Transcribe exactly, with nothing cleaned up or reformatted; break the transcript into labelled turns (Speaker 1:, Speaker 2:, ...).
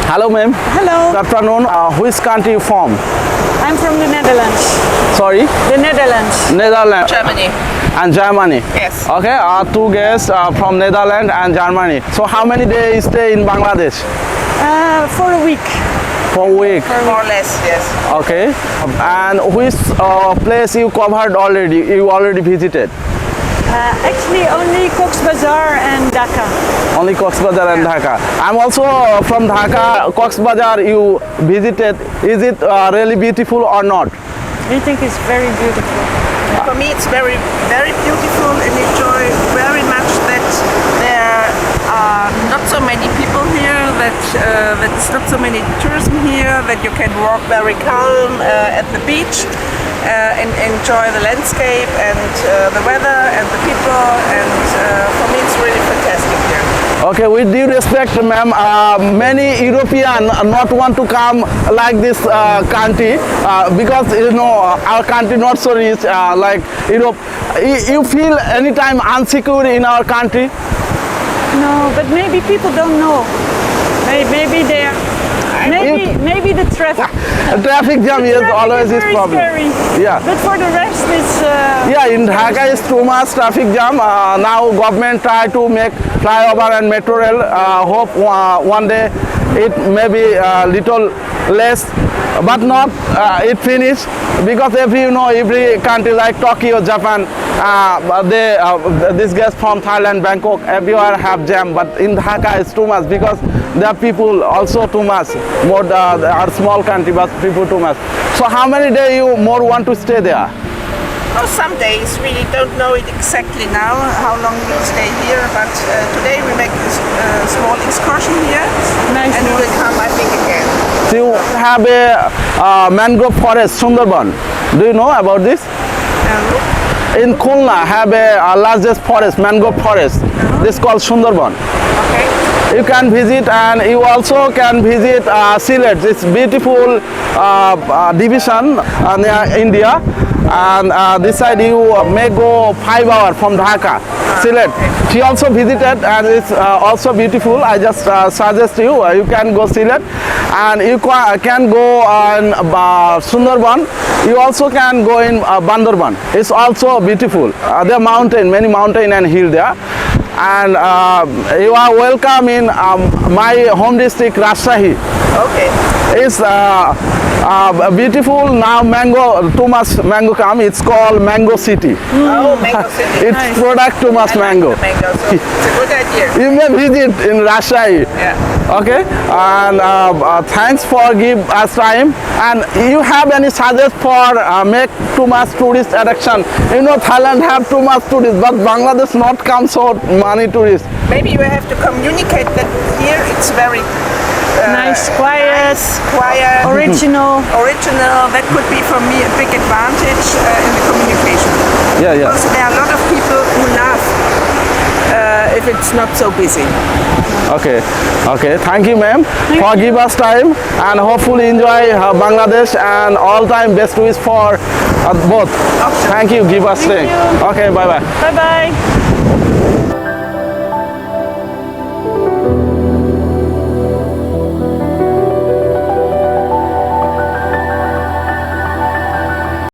Speaker 1: Hello, ma'am.
Speaker 2: Hello,
Speaker 1: Good afternoon. Uh, which country you from?
Speaker 2: I'm from the Netherlands.
Speaker 1: Sorry,
Speaker 2: The Netherlands.
Speaker 1: Netherlands
Speaker 3: Germany.
Speaker 1: and Germany.
Speaker 3: Yes.
Speaker 1: Okay, uh, two guests uh, from Netherlands and Germany. So how many days stay in Bangladesh?
Speaker 2: Uh, for a week.
Speaker 1: For a week.
Speaker 3: More or less, yes.
Speaker 1: Okay. And which uh, place you covered already? You already visited?
Speaker 2: Uh, actually, only Cox's Bazar and Dhaka.
Speaker 1: Only Cox's Bazar and Dhaka. I'm also uh, from Dhaka. Cox's Bazar you visited. Is it uh, really beautiful or not?
Speaker 2: I think it's very beautiful.
Speaker 3: For me, it's very, very beautiful and enjoy very much that there are not so many people here, that uh, that it's not so many tourism here, that you can walk very calm uh, at the beach uh, and enjoy the landscape and uh, the weather and the people. And uh, for me, it's really fantastic here.
Speaker 1: Okay, with due respect, ma'am, uh, many European not want to come like this uh, country uh, because you know our country not so rich uh, like Europe. You, you feel anytime insecure in our country?
Speaker 2: No, but maybe people don't know. Maybe, maybe they're. Maybe, maybe the traffic.
Speaker 1: Traffic jam
Speaker 2: The
Speaker 1: is
Speaker 2: traffic
Speaker 1: always
Speaker 2: is
Speaker 1: this
Speaker 2: very
Speaker 1: problem.
Speaker 2: scary.
Speaker 1: Yeah.
Speaker 2: But for the rest, it's. Uh,
Speaker 1: Yeah, in Dhaka is too much traffic jam. Uh, now government try to make flyover and metro rail. Uh, hope uh, one day it may be a little less, but not uh, it finish because every you know every country like Tokyo, Japan, uh, they uh, this guys from Thailand, Bangkok, everywhere have jam. But in Dhaka it's too much because there are people also too much. More uh, they are small country, but people too much. So how many days you more want to stay there?
Speaker 3: Oh, some days we don't know it exactly now how long we'll stay here, but uh, today we make a s- uh, small excursion here,
Speaker 2: Nice
Speaker 3: and we
Speaker 2: one.
Speaker 3: will come, I think, again.
Speaker 1: So you have a uh, mangrove forest, Sundarban. Do you know about this?
Speaker 3: Um,
Speaker 1: In Khulna have a uh, largest forest, mangrove forest. This called Sundarban.
Speaker 3: okay.
Speaker 1: You can visit and you also can visit uh, Sylhet. It's beautiful uh, uh, division uh, near India. And uh, this side you may go five hours from Dhaka, Sylhet. She also visited and it's uh, also beautiful. I just uh, suggest you, uh, you can go Sylhet and you ca- can go in uh, Sundarban. You also can go in uh, Bandarban. It's also beautiful. Uh, there are mountain, many mountain and hill there. And uh, you are welcome in um, my home district, Rajshahi.
Speaker 3: Okay.
Speaker 1: It's uh, uh, beautiful now. Mango, too much mango come. It's called Mango City.
Speaker 3: Oh, Mango City.
Speaker 1: It's
Speaker 2: Nice.
Speaker 1: product too much
Speaker 3: I like
Speaker 1: mango.
Speaker 3: the mango, so it's a good idea.
Speaker 1: You may visit in Rajshahi.
Speaker 3: Yeah.
Speaker 1: Okay, and uh, uh, thanks for give us time. And you have any suggest for uh, make too much tourist attraction? You know Thailand have too much tourists, but Bangladesh not come so many tourists.
Speaker 3: Maybe you have to communicate that here it's very uh,
Speaker 2: Nice, quiet,
Speaker 3: nice, quiet,
Speaker 2: original.
Speaker 3: original. That could be for me a big advantage uh, in the communication.
Speaker 1: Yeah, yeah.
Speaker 3: Because there are a lot of people who laugh uh, if it's not so busy.
Speaker 1: Okay, okay. Thank you, ma'am, for give us time and hopefully enjoy uh, Bangladesh and all time best wishes for uh, both. Thank you. Give us
Speaker 2: Thank
Speaker 1: time.
Speaker 2: you.
Speaker 1: Okay, bye bye.
Speaker 2: Bye bye.